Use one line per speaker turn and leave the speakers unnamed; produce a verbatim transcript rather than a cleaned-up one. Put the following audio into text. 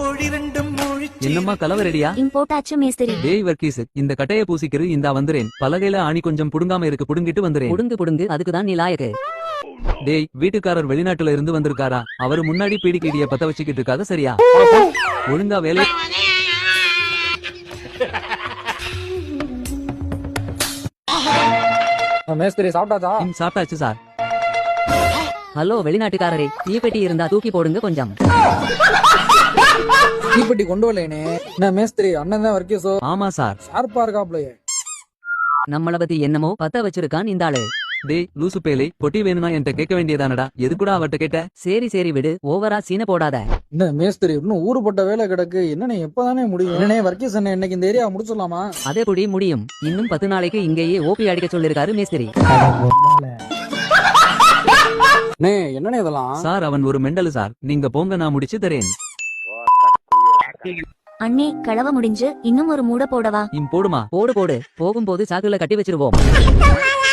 என்னம்மா கலவை ரெடியா?
போட்டாச்சு மேஸ்திரி.
டேய் வர்க்கீஸ், இந்த கட்டைய பூசிக்கிறு இந்தா வந்துறேன். பலகையில ஆணி கொஞ்சம் புடுங்காம இருக்கு, புடுங்கிட்டு வந்துறேன்.
புடுங்கு புடுங்கு, அதுக்குதான் நீ லாயக்கு.
டேய் வீட்டுக்காரர் வெளிநாட்டுல இருந்து வந்திருக்காரா? அவரு முன்னாடி பீடிக்கடிய பத்த வச்சுக்கிட்டு இருக்காத, சரியா? ஒழுங்கா வேலை.
மேஸ்திரி சாப்பிட்டாச்சா?
சாப்பிட்டாச்சு சார்.
ஹலோ வெளிநாட்டுக்காரரே, தீப்பெட்டி இருந்தா தூக்கி போடுங்க கொஞ்சம்.
தீப்பெட்டி கொண்டு வரலேனே. என்ன மேஸ்திரி, அண்ணன் தான் வர்க்கீஸோ?
ஆமா சார்.
ஷார்ப்பா இருக்காப்லயே.
நம்மள பத்தி என்னமோ பத்த வச்சிருக்கான் இந்த ஆளு.
டேய் லூசு பேலை, பொட்டி வேணும்னா என்கிட்ட கேட்க வேண்டியதானடா, எதுக்குடா அவட்ட கேட்ட?
சரி சரி விடு, ஓவரா சீன போடாத.
என்ன மேஸ்திரி, இன்னும் ஊருப்பட்ட வேலை கிடக்கு. என்னன்னு எப்பதானே முடியும்? என்னனே வர்க்கீஸ் அண்ணன், இன்னைக்கு இந்த ஏரியா முடிச்சிடலாமா?
அதே புடி முடியும். இன்னும் பத்து நாளைக்கு இங்கேயே ஓபி அடிக்க சொல்லிருக்காரு மேஸ்திரி.
என்னன்னு இதெல்லாம்?
சார் அவன் ஒரு மெண்டலு சார், நீங்க போங்க நான் முடிச்சு தரேன்.
அண்ணே கலவ முடிஞ்சு, இன்னும் ஒரு மூட போடவா?
இம் போடுமா?
போடு போடு, போகும்போது சாக்குல கட்டி வச்சிருவோம்.